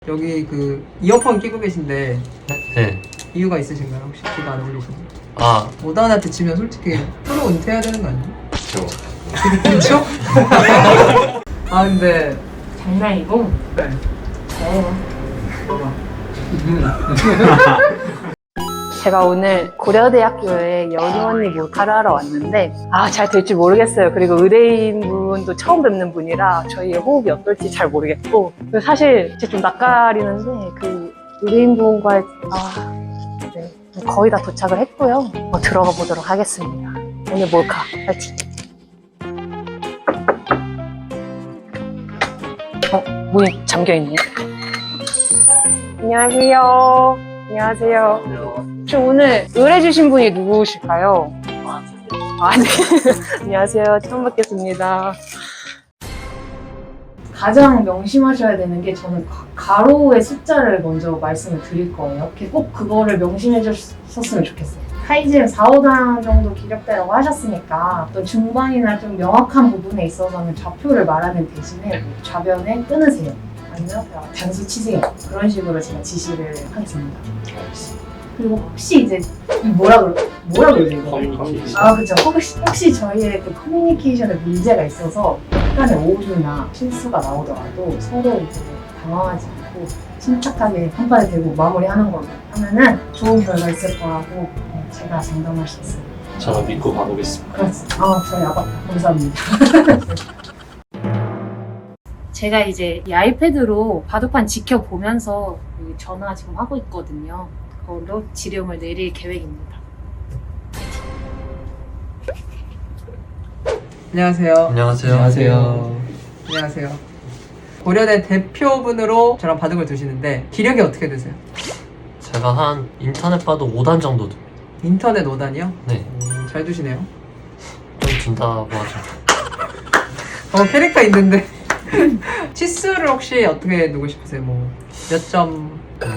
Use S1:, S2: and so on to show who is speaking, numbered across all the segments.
S1: 여기 그 이어폰 끼고 계신데
S2: 네.
S1: 이유가 있으신가요? 혹시 귀가 안 들리시나요?
S2: 아,
S1: 모단한테 지면 솔직히 프로 은퇴해야 되는 거 아니에요?
S3: 그쵸.
S1: 그렇죠? 아 근데
S4: 장난이고?
S1: 네.
S4: 제가 오늘 고려대학교에 연우 언니 몰카를 하러 왔는데 잘 될지 모르겠어요. 그리고 의뢰인분도 처음 뵙는 분이라 저희의 호흡이 어떨지 잘 모르겠고 사실 제가 좀 낯가리는데 그 의뢰인분과의 네, 거의 다 도착을 했고요. 들어가 보도록 하겠습니다. 오늘 몰카 파이팅! 문이 잠겨있네요. 안녕하세요. 안녕하세요. 혹시 오늘 의뢰주신 분이 누구실까요? 네. 안녕하세요. 처음 뵙겠습니다. 가장 명심하셔야 되는 게 저는 가로의 숫자를 먼저 말씀을 드릴 거예요. 꼭 그거를 명심해 주셨으면 좋겠어요. 사이즈는 4, 5단 정도 기력대라고 하셨으니까 또 중반이나 좀 명확한 부분에 있어서는 좌표를 말하는 대신에 좌변에 끊으세요. 아니면 단수 치세요. 그런 식으로 제가 지시를 하겠습니다. 그리고 혹시 이제 뭐라 그러죠?
S3: 커뮤니케이션.
S4: 그렇죠. 혹시 저희의 그 커뮤니케이션에 문제가 있어서 약간의 오류나 실수가 나오더라도 서로 이제 당황하지 않고 침착하게 한 발에 대고 마무리하는 걸로 하면은 좋은 결과 있을 거라고 제가 장담할 수 있어요.
S3: 저는 믿고 가보겠습니다.
S4: 그렇지. 저희 아빠 감사합니다. 제가 이제 이 아이패드로 바둑판 지켜보면서 전화 지금 하고 있거든요. 그걸로 지령을 내릴 계획입니다.
S1: 안녕하세요.
S2: 안녕하세요.
S1: 안녕하세요. 고려대 대표분으로 저랑 바둑을 두시는데 기력이 어떻게 되세요?
S2: 제가 한 인터넷 봐도 5단 정도 듭니다.
S1: 인터넷 5단이요?
S2: 네.
S1: 잘 두시네요.
S2: 좀 든다고 하죠.
S1: 캐릭터 있는데 치수를 혹시 어떻게 두고 싶으세요? 몇 점?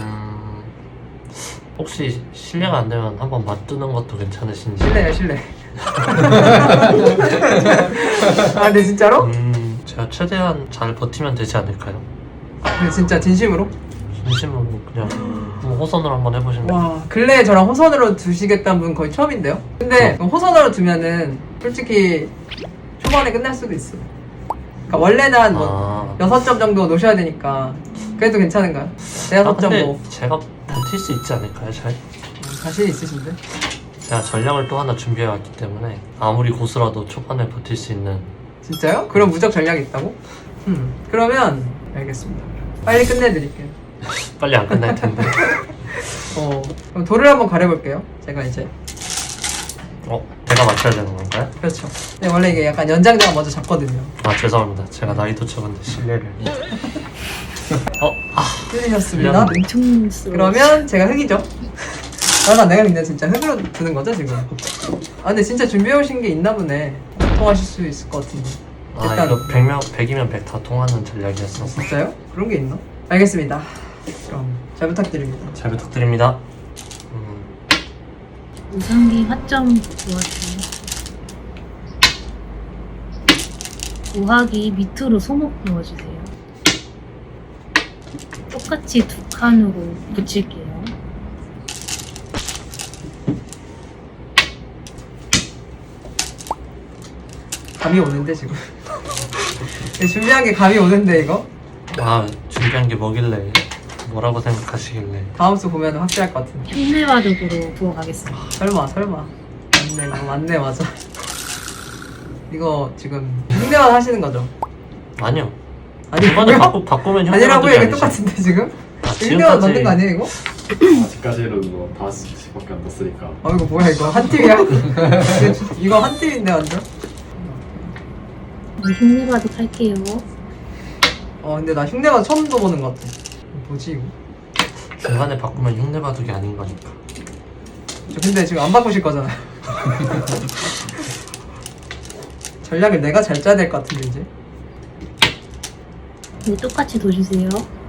S2: 혹시 실례가 안 되면 한번 맞두는 것도 괜찮으신지?
S1: 실례. 근데 진짜로?
S2: 제가 최대한 잘 버티면 되지 않을까요?
S1: 근데 진짜 진심으로?
S2: 진심으로 그냥 한번 호선으로 한번 해보시면.
S1: 와, 근래에 저랑 호선으로 두시겠다는 분 거의 처음인데요? 근데 호선으로 두면은 솔직히 초반에 끝날 수도 있어. 그러니까 원래는 한 6점 정도 놓으셔야 되니까 그래도 괜찮은가요? 대여섯 점
S2: 근데
S1: 뭐
S2: 제가 버틸 수 있지 않을까요, 잘?
S1: 자신 있으신데?
S2: 제가 전략을 또 하나 준비해왔기 때문에 아무리 고수라도 초반에 버틸 수 있는.
S1: 진짜요? 그럼 무적 전략이 있다고? 그러면 알겠습니다. 빨리 끝내드릴게요.
S2: 빨리 안 끝날 텐데.
S1: 그럼 돌을 한번 가려볼게요. 제가 이제
S2: 제가 맞춰야 되는 건가요?
S1: 그렇죠. 근데 원래 이게 약간 연장자가 먼저 잡거든요.
S2: 죄송합니다. 제가 나이도 적은데 실례를.
S1: 틀리셨습니다.
S4: 엄청
S1: 그러면 제가 흑이죠. 내가 근데 진짜 흑으로 두는 거죠 지금? 근데 진짜 준비해오신 게 있나 보네. 통하실 수 있을 것 같은데. 일단
S2: 이거 100이면 100 다 통하는 전략이었어서.
S1: 진짜요? 그런 게 있나? 알겠습니다. 그럼 잘 부탁드립니다.
S2: 잘 부탁드립니다.
S5: 우상기 화점 도와주세요. 우하기 밑으로 소목 넣어주세요. 똑같이 두 칸으로 붙일게요.
S1: 감이 오는데 지금. 준비한 게 감이 오는데 이거?
S2: 준비한 게 뭐길래, 뭐라고 생각하시길래.
S1: 다음 수 보면 확실할 것 같은데.
S5: 현대바둑으로 부어가겠습니다.
S1: 설마. 맞네 맞아. 이거 지금 흉내만 하시는 거죠?
S2: 아니요.
S1: 아니라고요?
S2: 이번에 바꾸면
S1: 아니라고요?
S2: 흉내바둑이
S1: 이게
S2: 아니지.
S1: 똑같은데 지금? 흉내만
S2: 지금까지
S1: 만든 거 아니에요 이거?
S3: 아직까지는 뭐 5시밖에 안 났으니까.
S1: 이거 뭐야 이거 한 팀이야? 이거 한 팀인데 완전?
S5: 흉내바둑 할게요.
S1: 근데 나 흉내만 처음 써보는 것 같아. 뭐지 이거?
S2: 중간에 바꾸면 흉내바둑이 아닌 거니까.
S1: 근데 지금 안 바꾸실 거잖아. 전략을 내가 잘 짜야 될 것 같은데 이제.
S5: 네, 똑같이 둬주세요.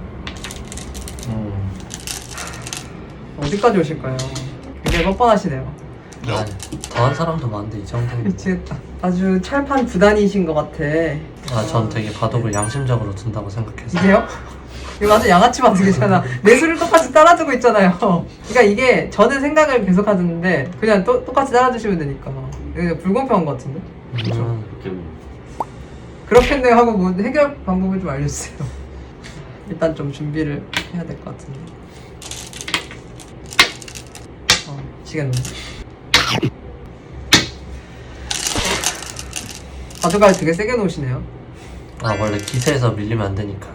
S1: 어디까지 오실까요? 굉장히 뻔뻔하시네요.
S2: 더한 사람도 많은데 이 정도면.
S1: 미치겠다. 아주 찰판 구단이신 것 같아.
S2: 전 되게 바둑을 양심적으로 둔다고 생각해서.
S1: 이게요? 이거 완전 양아치 반응이잖아. 내 수를 똑같이 따라주고 있잖아요. 그러니까 이게 저는 생각을 계속 하는데 그냥 똑같이 따라주시면 되니까 이거 불공평한 것 같은데?
S3: 그렇겠네.
S1: 그렇겠네 하고 뭐 해결 방법을 좀 알려주세요. 일단 좀 준비를 해야 될 것 같은데. 미치겠네. 가져갈 되게 세게 놓으시네요.
S2: 아 원래 기세에서 밀리면 안 되니까.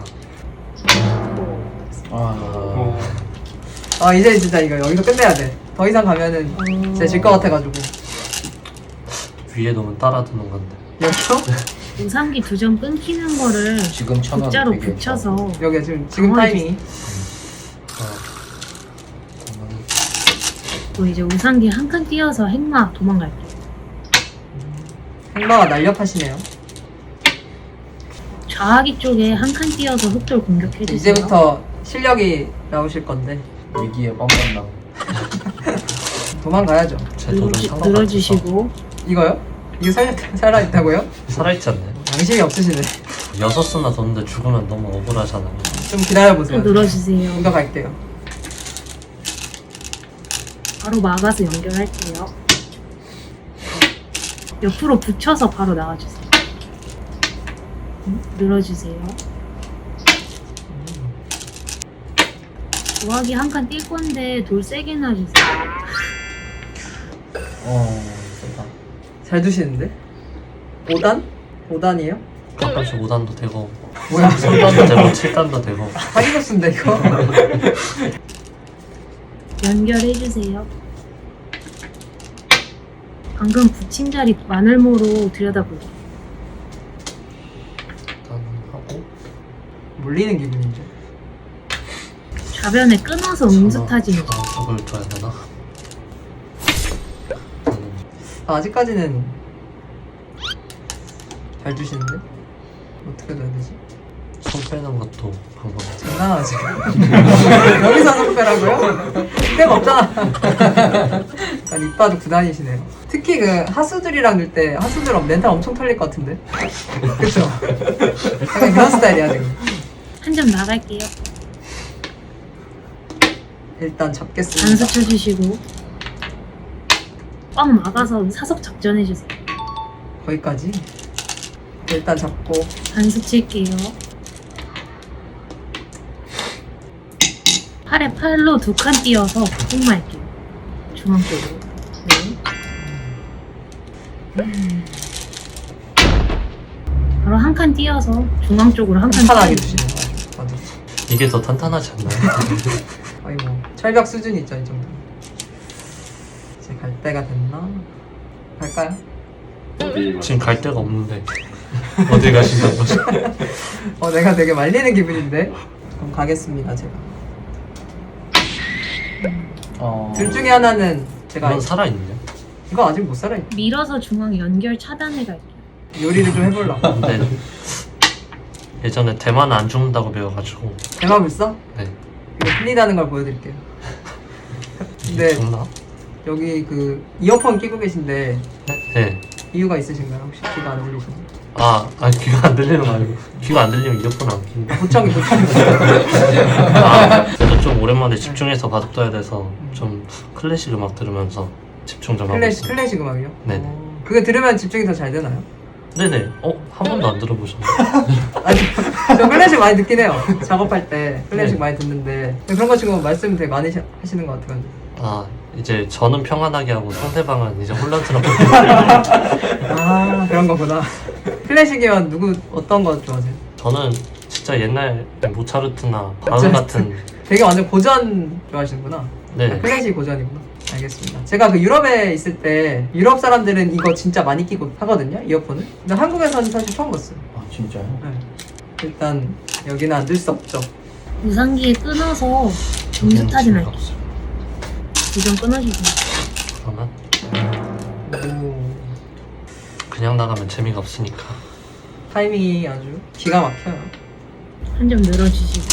S1: 이제 진짜 이거 여기서 끝내야 돼. 더 이상 가면은 진짜 질 것 같아가지고.
S2: 위에 놓으면 따라두는 건데.
S1: 여기서?
S5: 우상기 2점 끊기는 거를
S6: 지금 천원
S5: 국자로
S6: 되게
S5: 붙여서
S1: 여기 지금 타이밍이.
S5: 또 이제 우상기 한 칸 띄어서 행마 도망갈게요.
S1: 행마가 날렵하시네요.
S5: 좌하기 쪽에 한 칸 띄어서 흑돌 공격해주세요.
S1: 이제부터 실력이 나오실 건데
S6: 위기에 뻔뻔나.
S1: 도망가야죠.
S2: 제 돌은 상관없어.
S5: 늘어주시고
S1: 이거요? 이거 살아있다고요?
S2: 살아있지 않나요?
S1: 양심이 없으시네.
S2: 6수나 뒀는데 죽으면 너무 억울하잖아요.
S1: 좀 기다려보세요.
S5: 또 늘어주세요.
S1: 이거 갈게요.
S5: 바로 막아서 연결할게요. 옆으로 붙여서 바로 나와주세요. 늘어주세요. 우하기 한 칸 뛸 건데 돌 세게 놔주세요.
S6: 세다.
S1: 잘 두시는데? 5단? 5단이에요?
S2: 가끔씩 5단도 되고
S1: 뭐야?
S2: 3단도 되고 7단도 되고.
S1: 사기버스인데 이거?
S5: 연결해주세요. 방금 붙인 자리 마늘모로 들여다볼게요.
S2: 일단 하고
S1: 물리는 기분이죠.
S5: 좌변에 끊어서 응수타지는 거.
S2: 저걸 줘야 되나?
S1: 아직까지는 잘 두시는데? 어떻게 둬야 되지?
S2: 손 빼는 것도 방법이지.
S1: 장난하지? 여기서 손빼라고요? 때가 없잖아. 약간 이빠도 9단이시네요. 특히 그 하수들이랑 놀 때 하수들 멘탈 엄청 털릴 것 같은데? 그쵸? 약간 그런 스타일이야 지금.
S5: 한 점 나갈게요.
S1: 일단 잡겠습니다.
S5: 단수 쳐주시고 꽉 막아서 사석 작전해주세요.
S1: 거기까지? 일단 잡고
S5: 단수 칠게요. 팔에 팔로 2칸 띄어서 흑마할게요. 중앙 쪽으로. 네. 바로 한 칸 띄어서 중앙 쪽으로 한 칸
S1: 탄탄하게
S5: 띄어요.
S1: 두시네요. 아주.
S2: 이게 더 탄탄하지 않나요?
S1: 거의 뭐 철벽 수준이 있죠 이 정도. 이제 갈 때가 됐나? 갈까요?
S3: 어디
S2: 지금 갈 데가 없는데 어디 가신다는 거죠?
S1: 내가 되게 말리는 기분인데? 그럼 가겠습니다 제가. 둘 중에 하나는 제가
S2: 이건 살아있네요.
S1: 이거 아직 못 살아있.
S5: 밀어서 중앙 연결 차단해 갈게요.
S1: 요리를 좀 해보려고.
S2: 근데 예전에 대만은 안 죽는다고 배워가지고.
S1: 대박을 써?
S2: 네.
S1: 이거 풀리다는 걸 보여드릴게요.
S2: 이게
S1: 근데
S2: 죽나?
S1: 여기 그 이어폰 끼고 계신데
S2: 네.
S1: 이유가 있으신가요? 혹시 귀가 안 들리셔서?
S2: 귀가 안 들리는 거 아니고 귀가 안 들리면 이어폰 안 끼는데.
S1: 보청기.
S2: 그래도 좀 오랜만에 집중해서 바둑둬야 돼서 좀 클래식 음악 들으면서 집중 좀 하고 있어요.
S1: 클래식 음악이요?
S2: 네네.
S1: 그거 들으면 집중이 더 잘 되나요?
S2: 네네. 한 번도 안 들어보셨나요?
S1: 아니, 저 클래식 많이 듣긴 해요. 작업할 때 클래식
S2: 네.
S1: 많이 듣는데 그런 거 치고 말씀 되게 많이 하시는 것 같아요.
S2: 이제 저는 평안하게 하고 상대방은 이제 혼란스럽게.
S1: 그런 거구나. 클래식이면 어떤 거 좋아하세요?
S2: 저는 진짜 옛날 모차르트나 바흐 같은.
S1: 되게 완전 고전 좋아하시는구나.
S2: 네.
S1: 클래식 고전이구나. 알겠습니다. 제가 그 유럽에 있을 때 유럽 사람들은 이거 진짜 많이 끼고 하거든요, 이어폰을. 근데 한국에서는 사실 처음 봤어요.
S6: 진짜요?
S1: 네. 일단 여기는 안 들 수 없죠.
S5: 우상기에 끊어서 응수타진 할게요. 2점 끊어주세요.
S2: 그러면
S1: 오,
S2: 그냥 나가면 재미가 없으니까.
S1: 타이밍이 아주 기가 막혀요.
S5: 한 점 늘어주시고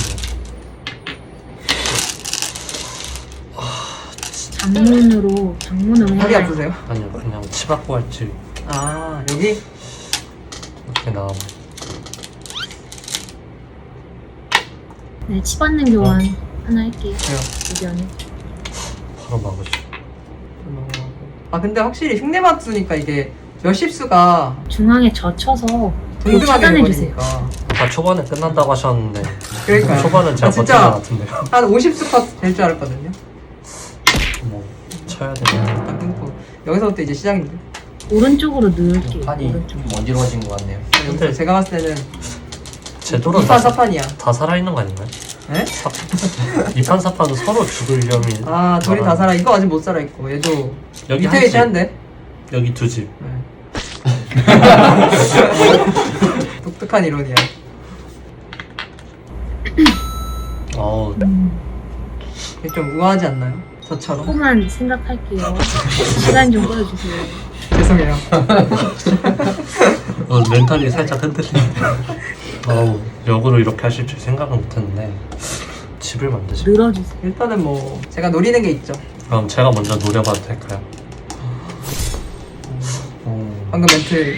S5: 장문으로
S1: 허리
S5: 해야
S1: 아프세요?
S2: 아니요, 그냥 치받고 할지
S1: 여기?
S2: 이렇게 나가면.
S5: 네, 치받는 교환 하나 할게요.
S1: 그래요.
S5: 의견을.
S2: 바로 막으죠.
S1: 아 근데 확실히 흉내맞으니까 이게 몇십 수가
S5: 중앙에 젖혀서
S1: 동등하게
S5: 차단해주세요.
S1: 되니까.
S2: 아까 초반에 끝난다고 하셨는데
S1: 그러니까
S2: 초반은 제가
S1: 아,
S2: 버틴
S1: 진짜
S2: 것 같은데요.
S1: 한 50수 컷 될 줄 알았거든요.
S2: 뭐 쳐야 되나?
S1: 딱 끊고 여기서부터 이제 시작인데.
S5: 오른쪽으로 넣을게요.
S6: 판이
S5: 오른쪽.
S6: 어지러워진 것 같네요.
S1: 여기서 제가 봤을 때는
S2: 제도로
S1: 2판 4판이야.
S2: 다 살아있는 거 아닌가요?
S1: 네?
S2: 2판 4판도 서로 죽을 위험이
S1: 아 둘이 다 살아. 이거 아직 못 살아 있고 얘도
S2: 여기
S1: 밑에
S2: 한 집,
S1: 위치 한대.
S2: 여기 두 집.
S1: 네. 독특한 이론이야.
S2: 어우
S1: 이게 좀 우아하지 않나요? 저처럼.
S5: 조금만 생각할게요. 시간 좀 끌어주세요.
S1: 죄송해요.
S2: 멘탈이 살짝 흔들리는데 어우 역으로 이렇게 하실 줄 생각은 못했는데 집을 만드시
S5: 늘어주세요.
S1: 일단은 뭐 제가 노리는 게 있죠.
S2: 그럼 제가 먼저 노려봐도 될까요?
S1: 방금 멘트.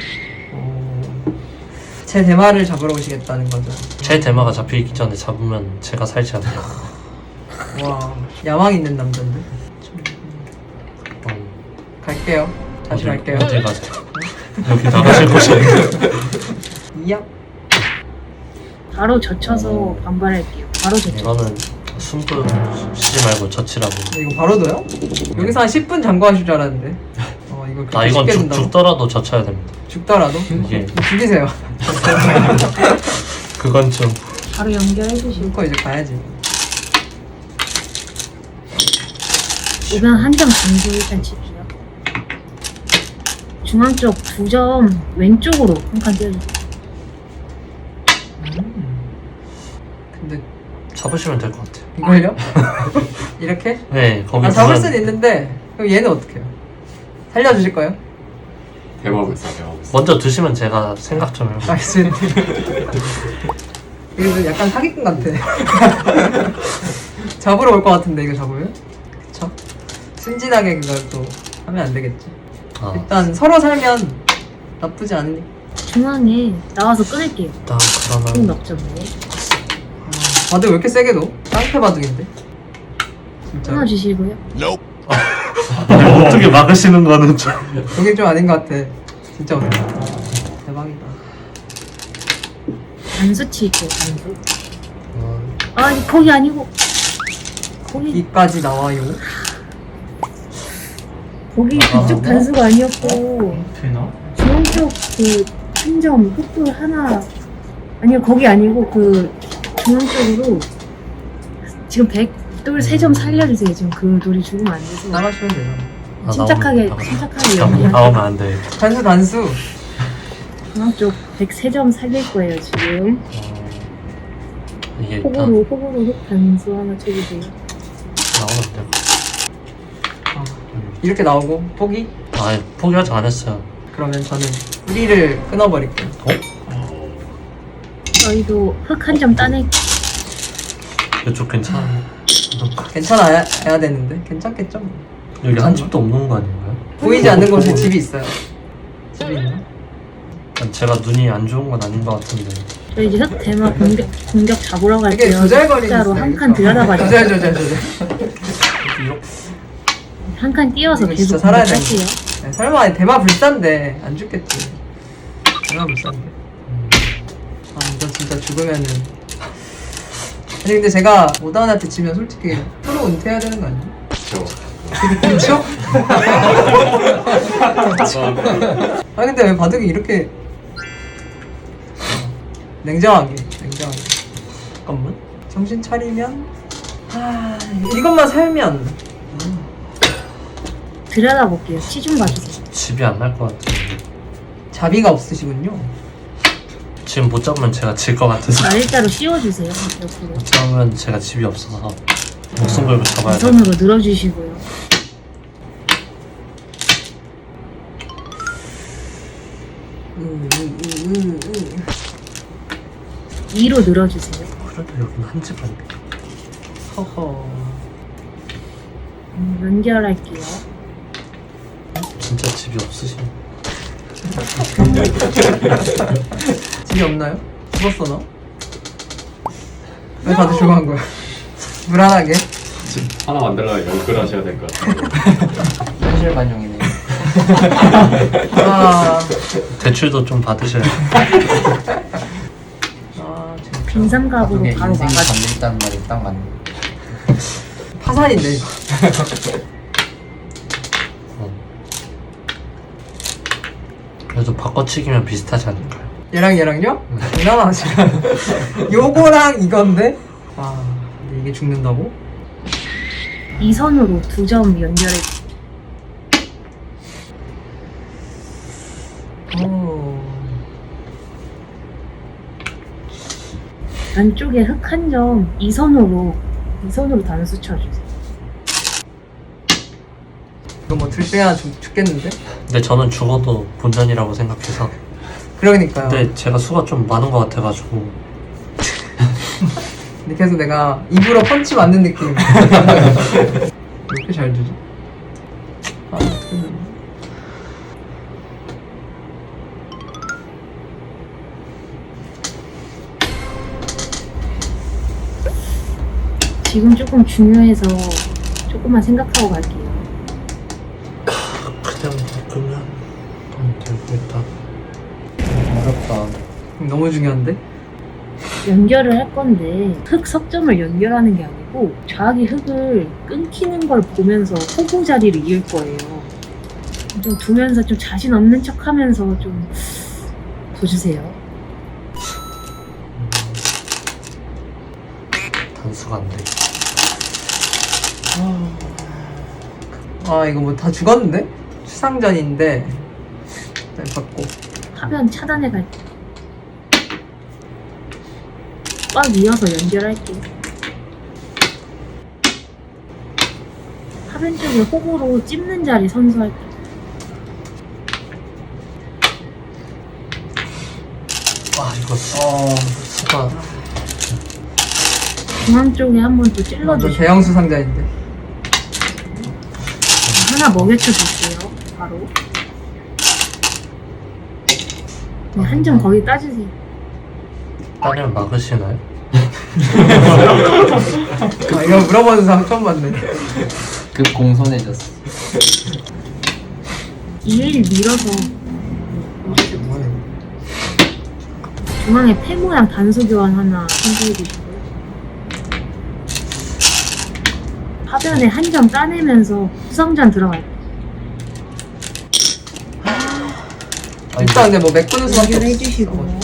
S1: 제 대마를 잡으러 오시겠다는 거죠.
S2: 제 대마가 잡히기 전에 잡으면 제가 살지 않나요?
S1: 와 야망 있는 남자인데.
S2: 음,
S1: 갈게요. 다시 갈게요.
S2: 어디 가세요? 여기 나가실 곳이
S1: 이야.
S5: 바로 젖혀서 반발할게요. 바로 젖혀.
S2: 이거는 숨도 쉬지 말고 젖히라고.
S1: 이거 바로도요? 여기서 한 10분 잠궈하실 줄 알았는데. 이거
S2: 아
S1: 그렇게
S2: 이건
S1: 쉽게 된다고?
S2: 죽더라도 젖혀야 됩니다.
S1: 죽더라도?
S2: 이게
S1: 죽이세요.
S2: 그건 좀
S5: 바로 연결해주시고.
S1: 죽고 이제 가야지.
S5: 우선 한 점 정도 일단 칩시다. 중앙 쪽 2점 왼쪽으로 한 칸 띄워주세요.
S1: 근데
S2: 잡으시면 될 것 같아요.
S1: 이걸요? 이렇게?
S2: 네 거기
S1: 잡을
S2: 보면
S1: 수는 있는데 그럼 얘는 어떻게 해요? 살려주실 거예요?
S3: 대박을 써, 대박을 써.
S2: 먼저 드시면 제가 생각 좀 해볼게요.
S1: 알겠습니다. 이거 좀 약간 사기꾼 같아. 잡으러 올 것 같은데 이거 잡으면? 그쵸? 순진하게 그걸 또 하면 안 되겠지.
S2: 아,
S1: 일단 서로 살면 나쁘지 않으니.
S5: 중앙에 나와서 끊을게요.
S2: 일단
S5: 꼭
S2: 그러면
S5: 넣죠 뭐.
S1: 바둑 왜 이렇게 세게 넣어? 깡패 바둑인데? 진짜.
S5: 끊어주시고요.
S2: 어떻게 막으시는 거는 좀
S1: 여기 좀 아닌 것 같아. 진짜 어렵다. 대박이다.
S5: 단수 칠게요. 단수. 아 거기 아니고 거기
S1: 이까지 나와요.
S5: 거기 그쪽 단수가 아니었고
S6: 되나?
S5: 중앙 쪽 그 한 점 흑돌 하나 아니요 거기 아니고 그 중앙 쪽으로 지금 100돌 3점 살려주세요. 지금 그 돌이 죽으면 안 돼서
S1: 나가시면 되잖아.
S5: 침착하게
S2: 잠깐만,
S5: 연기하세요.
S2: 나오면 안 돼.
S1: 단수.
S5: 중앙 쪽 103점 살릴 거예요 지금.
S2: 이게 일단
S5: 호구로 흑 단수 하나 쳐주세요.
S2: 나오면 안 돼요.
S1: 이렇게 나오고 포기?
S2: 아 포기하지 않았어요.
S1: 그러면 저는 뿌리를 끊어버릴게요.
S5: 저희도 흑 한 점 따낼게요.
S2: 이쪽 괜찮아.
S1: 괜찮아야 해야 되는데 괜찮겠죠? 뭐.
S2: 여기 한 집도 없는 거 아닌가요?
S1: 보이지 않는 곳에 집이 있어요. 집이 있나?
S2: 제가 눈이 안 좋은 건 아닌 것 같은데.
S5: 저희 이제 흑 대마 공격 잡으러
S1: 되게
S5: 갈게요.
S1: 조잘거리는
S5: 숫자로
S1: 스타일.
S5: 한 칸 들여다봐주세요.
S1: 조절.
S2: 이렇게
S5: 한 칸 띄워서
S1: 이거
S5: 계속
S1: 진짜 살아야 돼.
S5: 공격할게요.
S1: 네, 설마 대마 불사인데 안 죽겠지. 대마 불사인데. 아 이거 진짜 죽으면은. 아니 근데 제가 오다운한테 지면 솔직히 프로 은퇴해야 되는 거 아니에요?
S3: 그쵸?
S1: 그렇죠? 아니 근데 왜 바둑이 이렇게 냉정하게 잠깐만 정신 차리면 이것만 살면
S5: 들여다볼게요. 치 좀 봐주세요.
S2: 집이 안 날 것 같은데.
S1: 자비가 없으시군요.
S2: 지금 못 잡으면 제가 질 것 같아서.
S5: 날짜로 씌워주세요. 옆으로.
S2: 못 잡으면 제가 집이 없어서 목숨 걸고 잡아야
S5: 이
S2: 돼요.
S5: 손으로 늘어주시고요. 2로 늘어주세요.
S2: 그래도 여기는 한 집 아니에요.
S1: 허허.
S5: 연결할게요.
S2: 진짜 집이 없으시네.
S1: 집이 없나요? 죽었어 너? 왜 다들 조용한 거야? 불안하게.
S3: 지금 하나 만들려면 연글 하셔야 될 것 같아요.
S6: 현실 반영이네.
S1: 아,
S2: 대출도 좀 받으셔야 돼.
S1: 진짜.
S5: 빈삼각으로
S6: 그게
S5: 바로
S6: 인생이
S5: 막아.
S6: 담겨있다는 말이 딱 맞네.
S1: 파산인데 이거.
S2: 그래도 바꿔치기면 비슷하지 않을까요?
S1: 얘랑요? 장난하지. 요거랑 이건데? 아, 근데 이게 죽는다고?
S5: 이 선으로 2점 연결해.
S1: 오.
S5: 안쪽에 흙 한 점 이 선으로 단수 쳐주세요.
S1: 이거 뭐 둘 중에 하나 죽겠는데?
S2: 근데 저는 죽어도 본전이라고 생각해서.
S1: 그러니까요.
S2: 근데 제가 수가 좀 많은 것 같아가지고.
S1: 근데 계속 내가 입으로 펀치 맞는 느낌. 왜 이렇게 잘 주지? 아, 어떻게 되나?
S5: 지금 조금 중요해서 조금만 생각하고 갈게요.
S2: 그냥 바꾸면 되고 일단.
S6: 어렵다.
S1: 너무 중요한데?
S5: 연결을 할 건데 흙 석점을 연결하는 게 아니고 좌악이 흙을 끊기는 걸 보면서 호구 자리를 이을 거예요. 좀 두면서 좀 자신 없는 척 하면서 좀 보주세요.
S2: 단수가 안 돼.
S1: 아, 이거 뭐 다 죽었는데? 추상전인데. 일단 받고.
S5: 하변 차단해 갈게요. 꽉 이어서 연결할게요. 하변 쪽에 호구로 찝는 자리 선수할게요.
S2: 와 이거 수가
S5: 중앙 쪽에 한번 또
S1: 완전
S5: 찔러주시고
S1: 대형 수상전인데.
S5: 하나 먹여쳐 줄게요. 바로. 네, 한 점 거기 따주세요.
S2: 따면 막으시나요?
S1: 아, 이거 물어보는 사람 처음 봤네.
S6: 급 공손해졌어.
S5: 2일 밀어서 중앙에 폐 모양 단수 교환 하나 선수해 주시고요. 하변에 한 점 따내면서 수성전 들어갈게요.
S1: 일단 근데 뭐 메꾸는 수밖에
S5: 연결해
S1: 없어.
S5: 주시고요.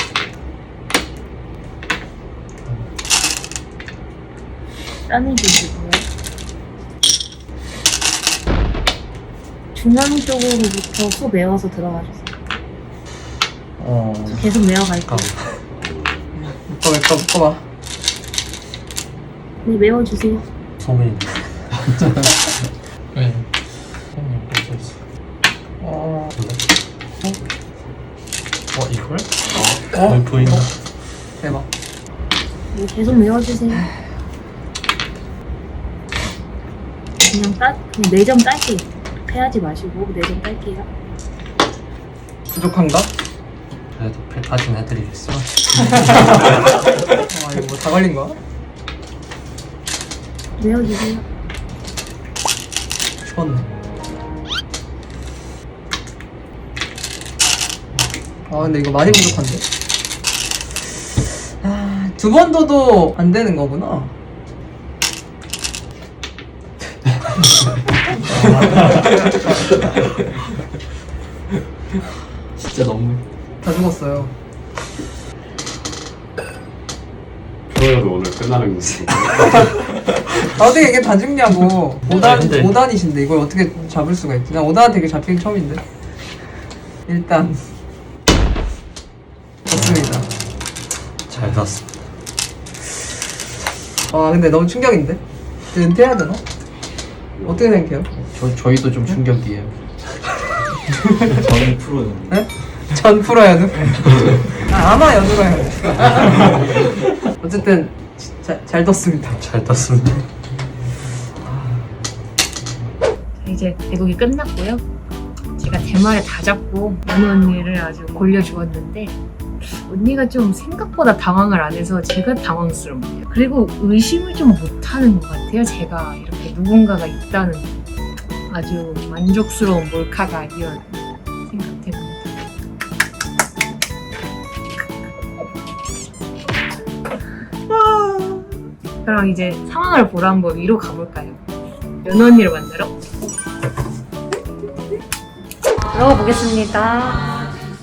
S5: 따내주시고요. 중앙 쪽으로부터 소 메워서 들어가주세요. 계속 메워갈게요.
S1: 묶어봐.
S5: 네, 메워주세요.
S2: 소민이.
S6: 네.
S2: 이걸? 거의 보인다.
S1: 대박.
S5: 네, 계속 메워주세요. 그냥 4점 딸게요. 패하지 마시고 4점 딸게요.
S1: 부족한가?
S2: 그래도 패까지는 해드리겠어.
S1: 아, 이거 뭐 다 걸린 거야?
S5: 메워주세요.
S1: 죽었네. 아, 근데 이거 많이 부족한데? 아, 2번 둬도 안 되는 거구나.
S6: 진짜 너무.
S1: 다 죽었어요.
S3: 프로여도 오늘 끝나는 거지.
S1: 어떻게 이게 다 죽냐고. 5단,
S2: 근데-
S1: 5단이신데 이걸 어떻게 잡을 수가 있지? 난 5단 되게 잡히기 처음인데. 일단 좋습니다.
S2: 잘 났어.
S1: 아, 근데 너무 충격인데? 이제 은퇴해야 되나? 어떻게 생각해요?
S6: 저희도 좀 충격이에요. 저는 프로요.
S1: 네? 전 프로 연우? 아, 아마 연우가 연우. 어쨌든 잘 뒀습니다.
S2: 잘 떴습니다.
S5: 이제 대국이 끝났고요. 제가 대마를 다 잡고 연우 언니를 아주 골려주었는데 언니가 좀 생각보다 당황을 안 해서 제가 당황스럽네요. 그리고 의심을 좀 못하는 것 같아요. 제가 이렇게 누군가가 있다는 아주 만족스러운 몰카가 이런 생각 때문에. 그럼 이제 상황을 보러 한번 위로 가볼까요? 연우 언니를 만나러 들어가 보겠습니다.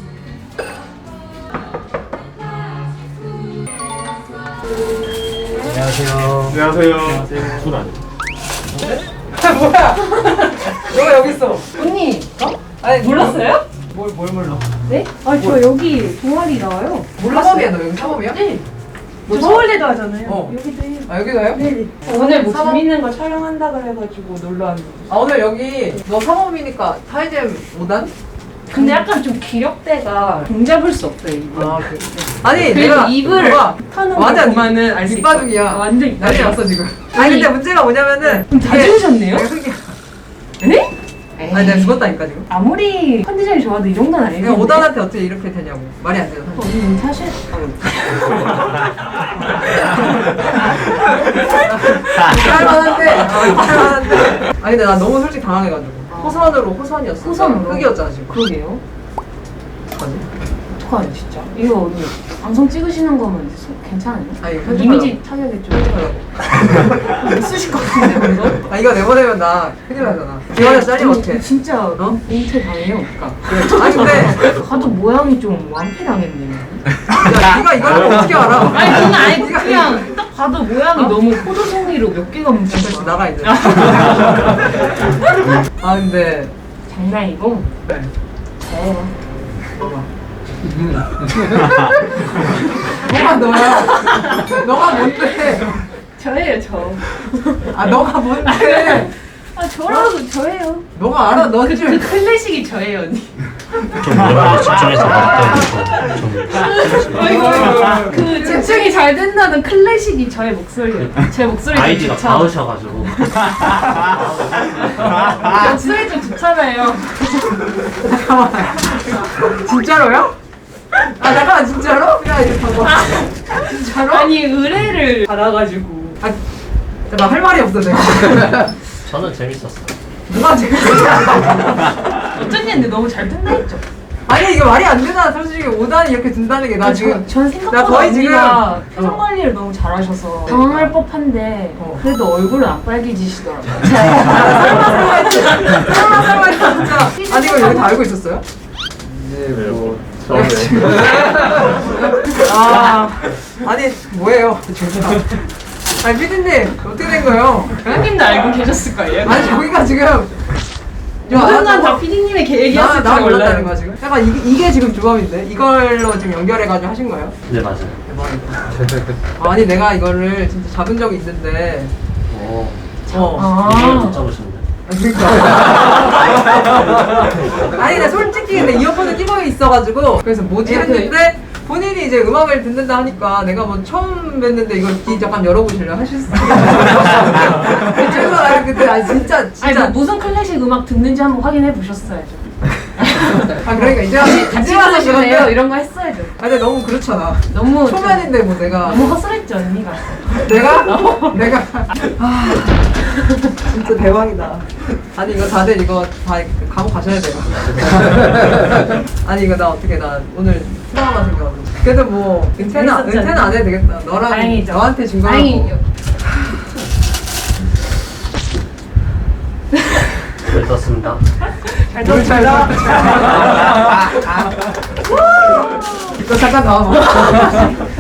S3: 안녕하세요. 술 아니에요?
S1: 뭐야? 너가 여기 있어.
S5: 언니
S1: 아니
S5: 몰랐어요?
S1: 뭘 몰라?
S5: 네? 아 저 여기 동아리 나와요.
S1: 사범이야 너 여기 사범이야?
S5: 네.
S1: 뭐
S5: 서울대도 하잖아요.
S1: 어.
S5: 여기도 해요.
S1: 아 여기도 해요?
S5: 네.
S7: 오늘 뭐
S1: 사범-
S7: 재밌는 거 촬영한다 그래가지고 놀러 왔는데
S1: 아 오늘 여기 너 사범이니까 타이젠 5단?
S7: 근데 약간 좀 기력대가 종잡을 수 없어요 이거
S1: 아 그래. 아니
S7: 그리고
S1: 내가
S7: 입을
S1: 너가
S7: 하는 거
S1: 완전
S7: 보면은 알 수 있어
S1: 밑바둑이야.
S7: 완전
S1: 난리
S7: 입바둑
S1: 났어 지금. 아니 근데 문제가 뭐냐면은
S7: 좀 다 지우셨네요?
S1: 내가 흑이야.
S7: 네?
S1: 아니 내가 죽었다니까 지금.
S7: 아무리 컨디션이 좋아도 이 정도는 아니겠는데
S1: 그냥 5단한테 어떻게 이렇게 되냐고. 말이 안 되잖아.
S7: 언니 사실
S1: 할만한데. 할만한데. 아니 근데 나 너무 솔직히 당황해가지고. 호선이었어.
S7: 호선으로?
S1: 흑이었잖아 지금.
S7: 그러게요
S1: 어떡하지?
S7: 어떡하냐 진짜 이거 언니 방송 찍으시는 거면 괜찮아요?
S1: 아니 이거 편집하려고.
S7: 이미지 타격이 좀
S1: 편집하려고.
S7: 못 쓰실 것 같은데 이거?
S1: 아 이거 내보내면 나 큰일 나잖아. 기관에서 잘리면 어떡해.
S7: 진짜
S1: 어?
S7: 인퇴 당해요 그러니까
S1: 아니 근데
S7: 가도 모양이 좀 완패 당했네요
S1: 야 네가 이걸 어떻게 알아?
S7: 아니 그건 아니고
S1: 네가
S7: 그냥 딱 봐도 모양이 너무 포도송이로 몇 개가 뭉친
S1: 다시
S7: 거야
S1: 나가 이제. 아 근데
S7: 장난이고
S1: 네.
S7: 저예요
S1: 너가 너야. 너가 뭔데?
S7: 저예요 저
S1: 아 너가 뭔데?
S7: 아 저라고 저예요
S1: 너가 알아? 너
S7: 그
S1: 지금
S7: 클래식이 저예요 언니
S2: 좀 뭐라고 집중해서 말했더니 좀
S7: 그 집중이 잘 된다는 클래식이 저의 목소리예요 제 목소리 좀
S2: 아이디가
S7: 좋잖아
S2: 닿으셔가지고
S7: 목소리 좀 좋잖아요
S1: 진짜로요? 아 잠깐만 진짜로? 야 이거 봐봐. 진짜로?
S7: 아니 의뢰를 받아가지고
S1: 나 할 말이 없어 내가.
S2: 저는 재밌었어요.
S1: 누가 지금?
S7: 어쩐지 근데 너무 잘 된다 했죠
S1: 아니 이게 말이 안 되잖아. 솔직히 5단이 이렇게 든다는 게 나 지금.
S7: 전
S1: 나
S7: 생각보다
S1: 거의
S7: 언니가
S1: 지금-
S7: 표정 관리를 너무 잘하셔서 당황할 법한데
S1: 어.
S7: 그래도 얼굴은 안 빨개지시더라고요
S1: 설마 했지. 설마 진짜. 아니 이거 여기 다 알고 있었어요?
S3: 네, 뭐 처음에
S1: 아 아니 뭐예요? 아니 피디님 어떻게 된 거예요?
S7: 형님도 알고 계셨을 거예요
S1: 아니 저기가 지금
S7: 모든 건 다 PD님의 계획이었을
S1: 나
S7: 줄
S1: 몰랐다는
S7: 몰라요
S1: 거야 지금. 약간 이게 지금 조합인데 이걸로 지금 연결해가지고 하신 거예요?
S2: 네 맞아요.
S1: 대박이다. 아니 내가 이거를 진짜 잡은 적이 있는데.
S2: 오,
S1: 어.
S2: 이걸 못 잡으셨네.
S1: 그러니까. 아니 근데 솔직히 근데 이어폰을 끼고 있어가지고 그래서 뭐지 했는데 본인이 이제 음악을 듣는다 하니까 내가 뭐 처음 뵀는데 이걸 귀 잠깐 열어보실래요? 하실 수 있어요. 그래서 아니 그때 아니 진짜
S7: 아니 뭐 무슨 클래식 음악 듣는지 한번 확인해 보셨어야죠
S1: 아 그러니까 이제
S7: 같이
S1: 와서
S7: 들으시네요
S1: 그런데
S7: 이런 거 했어야죠
S1: 아 근데 너무 그렇잖아.
S7: 너무 좀-
S1: 초면인데 뭐 내가
S7: 너무 헛소리했죠 언니가
S1: 내가 아 진짜 대박이다. 아니 이거 다들 이거 다 감옥 가셔야 돼요. 아니 이거 나 어떻게 나 오늘 트라우마 생겨가지고. 그래도 뭐 은퇴는
S7: 재밌었죠?
S1: 안 해도 되겠다. 너랑
S7: 다행이죠.
S1: 너한테 준 거라고.
S7: 다행이죠
S2: 잘 떴습니다.
S1: 잘 떴습니다. 이거 잠깐 나와봐.